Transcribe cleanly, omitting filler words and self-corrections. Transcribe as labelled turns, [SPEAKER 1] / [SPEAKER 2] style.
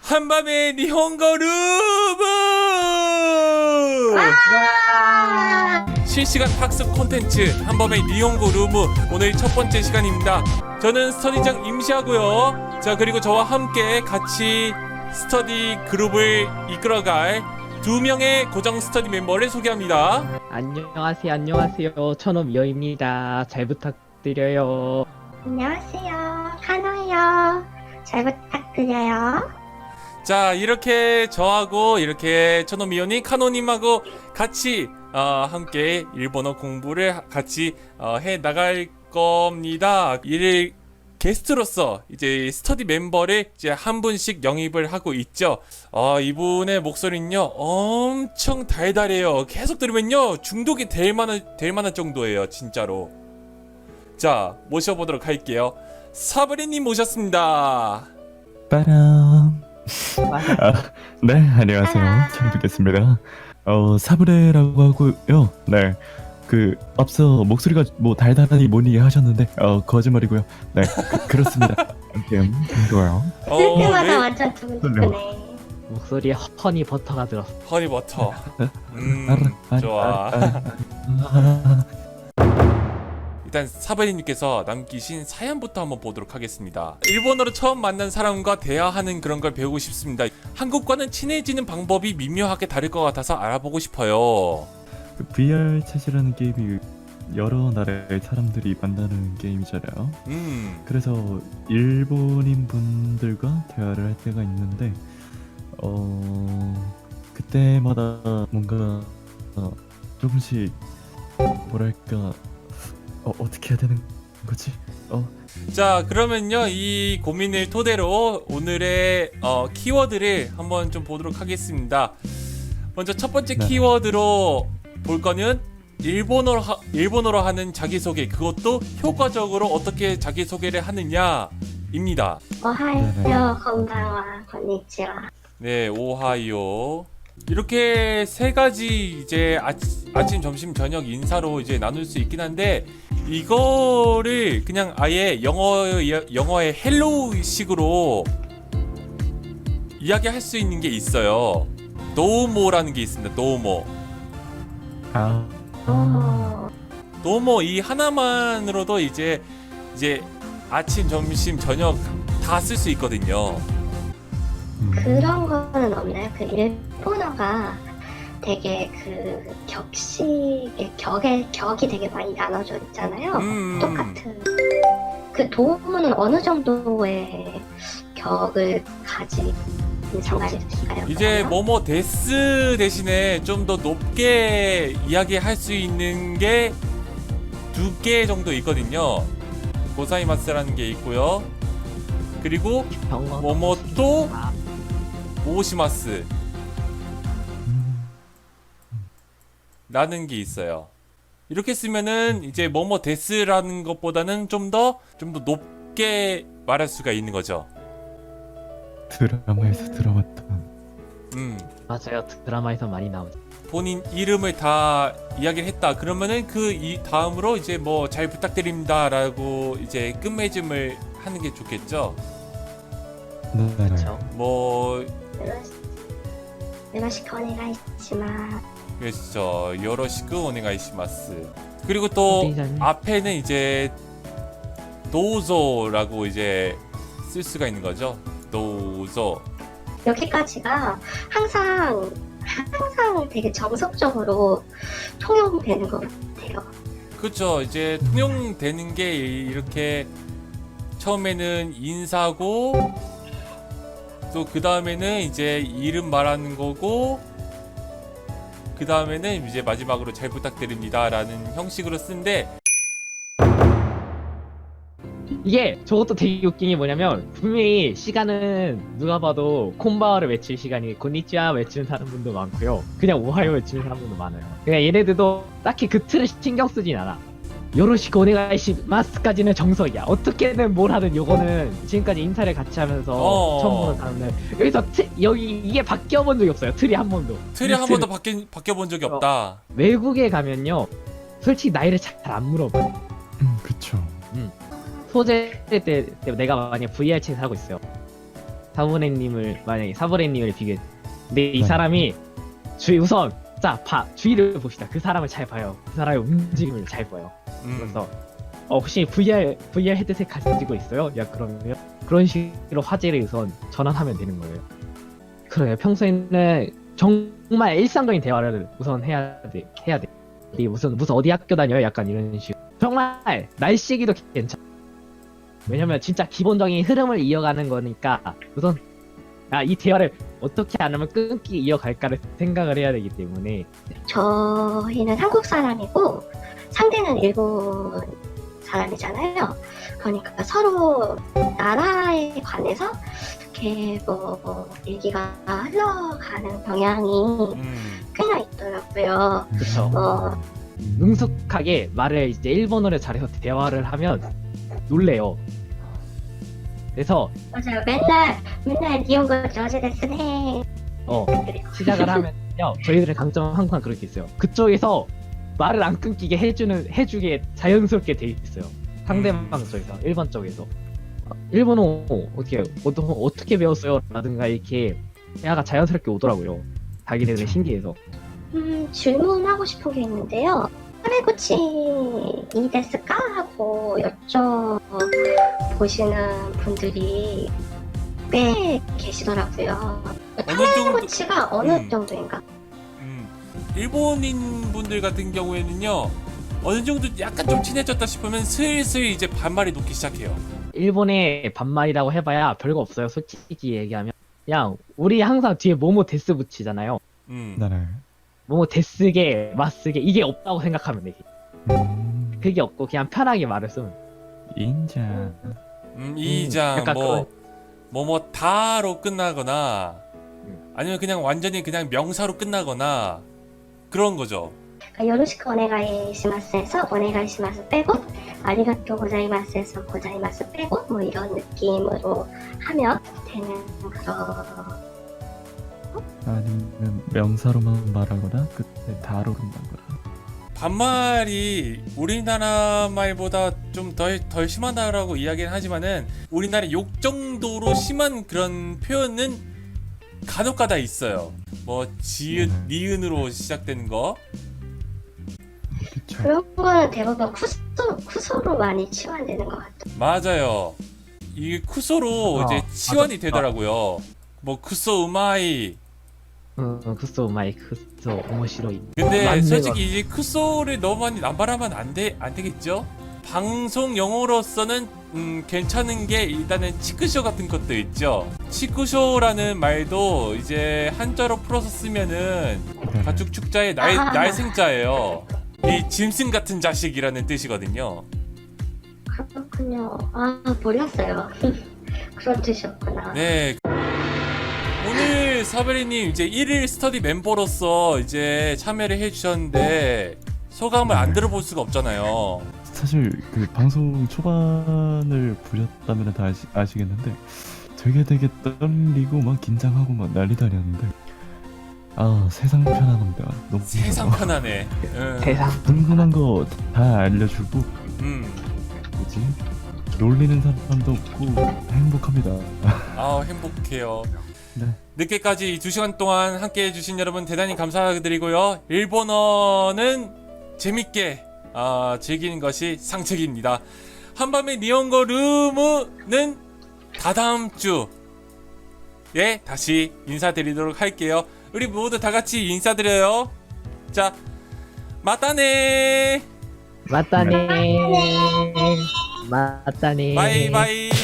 [SPEAKER 1] 한밤의 니혼고 루브! 실시간 학습 콘텐츠 한밤의 니혼고 루브 오늘 첫 번째 시간입니다. 저는 스터디장 임시하고요. 자, 그리고 저와 함께 같이 스터디 그룹을 이끌어갈 두 명의 고정 스터디 멤버를 소개합니다.
[SPEAKER 2] 안녕하세요. 천호미어입니다. 잘 부탁드려요.
[SPEAKER 3] 안녕하세요. 카노예요. 잘 부탁드려요.
[SPEAKER 1] 자, 이렇게 저하고 이렇게 천호미오님, 카노님하고 같이 함께 일본어 공부를 같이 해 나갈 겁니다. 이를 게스트로서 이제 스터디 멤버를 이제 한 분씩 영입을 하고 있죠. 이분의 목소리는요 엄청 달달해요. 계속 들으면요 중독이 될 만한 정도예요, 진짜로. 자, 모셔보도록 할게요. 사브리님 모셨습니다.
[SPEAKER 4] 빠람. 네, 안녕하세요. 처음 뵙겠습니다. 사브레라고 하고요. 네, 앞서 목소리가 뭐 달달하니 뭐니 하셨는데 거짓말이고요. 네, 그렇습니다. 아무튼 반가워요.
[SPEAKER 3] 쓸 때마다
[SPEAKER 1] 네.
[SPEAKER 3] 완전 두근두근해.
[SPEAKER 2] 목소리에 허니 버터가 들었어.
[SPEAKER 1] 허니버터. 좋아. 일단 사바리님께서 남기신 사연부터 한번 보도록 하겠습니다. 일본어로 처음 만난 사람과 대화하는 그런 걸 배우고 싶습니다. 한국과는 친해지는 방법이 미묘하게 다를 것 같아서 알아보고 싶어요.
[SPEAKER 4] VR 챗이라는 게임이 여러 나라의 사람들이 만나는 게임이잖아요. 그래서 일본인 분들과 대화를 할 때가 있는데 그때마다 뭔가 조금씩 뭐랄까 어떻게 해야 되는 거지?
[SPEAKER 1] 자, 그러면요 이 고민을 토대로 오늘의 키워드를 한번 좀 보도록 하겠습니다. 먼저 첫 번째
[SPEAKER 4] 네.
[SPEAKER 1] 키워드로 볼 거는 일본어로 하는 자기소개, 그것도 효과적으로 어떻게 자기소개를 하느냐입니다.
[SPEAKER 3] 오하이요, 건방와, 건니치와.
[SPEAKER 1] 네, 오하이오. 이렇게 세 가지 이제 아침, 점심, 저녁 인사로 이제 나눌 수 있긴 한데, 이거를 그냥 아예 영어의 헬로우식으로 이야기할 수 있는 게 있어요. 도우모라는 게 있습니다. 도우모. 도우모 이 하나만으로도 이제 아침, 점심, 저녁 다 쓸 수 있거든요.
[SPEAKER 3] 그런 거는 없나요? 그 일본어가 되게 그 격이 되게 많이 나눠져 있잖아요. 똑같은. 그 도우모는 어느 정도의 격을 가진 상관일까요?
[SPEAKER 1] 이제 뭐뭐 데스 대신에 좀 더 높게 이야기할 수 있는 게 두 개 정도 있거든요. 고사이마스라는 게 있고요. 그리고 뭐뭐또 오시마스 라는 게 있어요. 이렇게 쓰면은 이제 뭐뭐 데스라는 것보다는 좀 더 높게 말할 수가 있는 거죠.
[SPEAKER 4] 드라마에서 들어봤던.
[SPEAKER 2] 맞아요. 드라마에서 많이 나오죠.
[SPEAKER 1] 본인 이름을 다 이야기를 했다. 그러면은 이 다음으로 이제 뭐 잘 부탁드립니다라고 이제 끝맺음을 하는 게 좋겠죠.
[SPEAKER 4] 네,
[SPEAKER 2] 그렇죠.
[SPEAKER 1] 뭐
[SPEAKER 3] 요러시크 오네가이시마스.
[SPEAKER 1] 그렇죠. 요로시쿠 오네가이시마스. 그리고 또
[SPEAKER 2] 디자인.
[SPEAKER 1] 앞에는 이제 도우조라고 이제 쓸 수가 있는 거죠. 도우조.
[SPEAKER 3] 여기까지가 항상 되게 정석적으로 통용되는 것 같아요.
[SPEAKER 1] 그렇죠. 이제 통용되는 게 이렇게 처음에는 인사고 또 그 다음에는 이제 이름 말하는 거고 그 다음에는 이제 마지막으로 잘 부탁드립니다라는 형식으로 쓰는데,
[SPEAKER 2] 이게 저것도 되게 웃긴 게 뭐냐면 분명히 시간은 누가 봐도 콤바와를 외칠 시간이 곤니치와 외치는 사람분도 많고요. 그냥 오하요 외치는 사람분도 많아요. 그냥 얘네들도 딱히 그 틀을 신경 쓰진 않아. 요로시크 오네가이시마스까지는 정석이야. 어떻게든 뭘 하든 요거는 지금까지 인사를 같이 하면서 처음 보는 사람은 여기서 여기 이게 바뀌어 본 적이 없어요. 틀이 한 번도.
[SPEAKER 1] 틀이 한 번도 바뀌어 본 적이 없다.
[SPEAKER 2] 외국에 가면요 솔직히 나이를 잘 안 물어봐요.
[SPEAKER 4] 그쵸.
[SPEAKER 2] 소재 때 내가 만약 VR 챗을 하고 있어요. 사부레님을 만약에 사부레님을 비교. 근데 이
[SPEAKER 4] 네.
[SPEAKER 2] 사람이 우선 주위를 봅시다. 그 사람을 잘 봐요. 그 사람의 움직임을 잘 봐요. 그래서 혹시 VR 헤드셋 가지고 있어요? 야 그러면 그런 식으로 화제를 우선 전환하면 되는 거예요. 그래요. 평소에는 정말 일상적인 대화를 우선 해야 돼. 이 무슨 어디 학교 다녀요? 약간 이런 식. 정말 날씨 얘기도 괜찮아. 왜냐면 진짜 기본적인 흐름을 이어가는 거니까 우선 이 대화를 어떻게 안 하면 끊기 이어갈까를 생각을 해야 되기 때문에.
[SPEAKER 3] 저희는 한국 사람이고 상대는 일본 사람이잖아요. 그러니까 서로 나라에 관해서 이렇게 뭐 얘기가 흘러가는 경향이 꽤나 있더라고요.
[SPEAKER 2] 그쵸. 능숙하게 말을 이제 일본어를 잘해서 대화를 하면 놀래요. 그래서
[SPEAKER 3] 맞아요. 맨날 니온고 저지 데스네.
[SPEAKER 2] 시작을 하면요. 저희들의 강점은 항상 그렇게 있어요. 그쪽에서 말을 안 끊기게 해주게 자연스럽게 돼 있어요. 상대방 쪽에서, 일본 쪽에서. 일본어 어떻게 배웠어요? 라든가 이렇게 대화가 자연스럽게 오더라고요. 자기네들은 신기해서.
[SPEAKER 3] 질문하고 싶은 게 있는데요. 하레구치 이 데스까? 하고 여쭤보시는 분들이 꽤 계시더라고요. 하레구치가 어느 정도인가?
[SPEAKER 1] 일본인 분들 같은 경우에는요, 어느 정도 약간 좀 친해졌다 싶으면 슬슬 이제 반말이 녹기 시작해요.
[SPEAKER 2] 일본의 반말이라고 해봐야 별거 없어요. 솔직히 얘기하면 그냥 우리 항상 뒤에 모모 데스 붙이잖아요.
[SPEAKER 4] 네.
[SPEAKER 2] 모모 데스게 마스게 이게 없다고 생각하면 돼. 그게 없고 그냥 편하게 말을 쓰면.
[SPEAKER 4] 인자.
[SPEAKER 1] 이장
[SPEAKER 2] 약간
[SPEAKER 1] 뭐뭐 다로 끝나거나 아니면 그냥 완전히 그냥 명사로 끝나거나 그런 거죠.
[SPEAKER 3] 요로시크 오네가이시마스에서 오네가이시마스 빼고 아리가또 고자이마스에서 고자이마스 빼고 뭐 이런 느낌으로 하면 되는 그런.
[SPEAKER 4] 아니면 명사로만 말하거나 그때 다로 끝나거나.
[SPEAKER 1] 반말이 우리나라 말보다 좀 덜 심하다라고 이야기는 하지만은 우리나라 욕 정도로 심한 그런 표현은 간혹가다 있어요. 뭐 지읒, 니은으로 시작되는 거.
[SPEAKER 4] 그쵸.
[SPEAKER 3] 그런 거는 대부분 쿠소로 많이 치환되는 것 같아요.
[SPEAKER 1] 맞아요. 이 쿠소로 이제 치환이 되더라고요. 뭐 쿠소 우마이.
[SPEAKER 2] 쿠소 마이 쿠소 오모시로이.
[SPEAKER 1] 근데
[SPEAKER 2] 맞네,
[SPEAKER 1] 솔직히 이제 쿠소를 너무 많이 남발하면 안 되겠죠? 방송 용어로서는 괜찮은 게 일단은 치크쇼 같은 것도 있죠. 치크쇼라는 말도 이제 한자로 풀어서 쓰면은 가축 축자의 날생자예요. 이 짐승 같은 자식이라는 뜻이거든요.
[SPEAKER 3] 그렇군요. 몰랐어요. 그런 뜻이었구나.
[SPEAKER 1] 네. 오늘 사베리님 이제 1일 스터디 멤버로서 이제 참여를 해주셨는데 소감을 안 들어볼 수가 없잖아요.
[SPEAKER 4] 사실 그 방송 초반을 보셨다면 다 아시겠는데 되게 떨리고 막 긴장하고 막 난리도 아니었는데 세상 편안합니다. 너무
[SPEAKER 1] 세상 편하네.
[SPEAKER 2] 세상
[SPEAKER 4] 궁금한 거 다 알려주고 뭐지? 놀리는 사람도 없고 행복합니다.
[SPEAKER 1] 행복해요.
[SPEAKER 4] 네.
[SPEAKER 1] 늦게까지 이 2시간 동안 함께 해주신 여러분 대단히 감사드리고요. 일본어는 재밌게 즐기는 것이 상책입니다. 한밤의 니혼고 룸은 다다음 주에 다시 인사드리도록 할게요. 우리 모두 다 같이 인사드려요. 자, 맞다네.
[SPEAKER 2] 맞다네.
[SPEAKER 1] 바이바이.